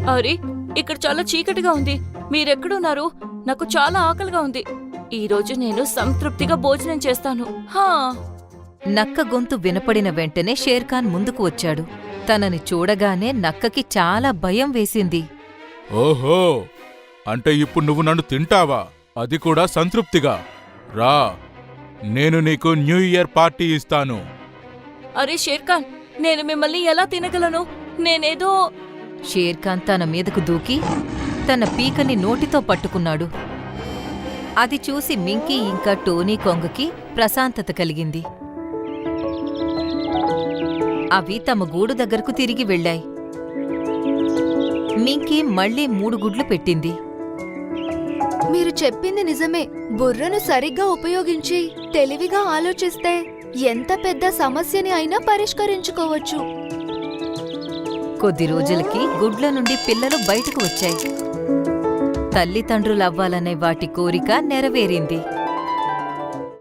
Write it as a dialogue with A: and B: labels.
A: అరే, ఇక్కడ చాలా చీకటిగా ఉంది. మీరెక్కడున్నారు? నాకు చాలా ఆకలిగా ఉంది. ఈరోజు నేను సంతృప్తిగా భోజనం చేస్తాను. హా.
B: నక్క గొంతు వినపడిన వెంటనే షేర్ఖాన్ ముందుకు వచ్చాడు. తనని చూడగానే నక్కకి చాలా భయం వేసింది.
C: ఓహో, అంటే ఇప్పుడు నువ్వు నన్ను తింటావా? అది కూడా సంతృప్తిగా. రా, నేను నీకు న్యూ ఇయర్ పార్టీ ఇస్తాను.
A: అరే షేర్ఖాన్, నేను మిమ్మల్ని ఎలా తినగలను? నేనేదో...
B: షేర్ఖాన్ తన మీదకు దూకి తన పీకని నోటితో పట్టుకున్నాడు. అది చూసి మింకీ ఇంకా టోనీ కొంగకి ప్రశాంతత కలిగింది. అవి తమ గూడు దగ్గరకు తిరిగి వెళ్ళాయి. మింకీ మళ్లీ 3 గుడ్లు పెట్టింది.
D: మీరు చెప్పింది నిజమే. బుర్రను సరిగ్గా ఉపయోగించి తెలివిగా ఆలోచిస్తే ఎంత పెద్ద సమస్యని అయినా పరిష్కరించుకోవచ్చు.
B: కొద్ది రోజులకి గుడ్ల నుండి పిల్లలు బయటకు వచ్చాయి. తల్లిదండ్రులవ్వాలనే వాటి కోరిక నెరవేరింది.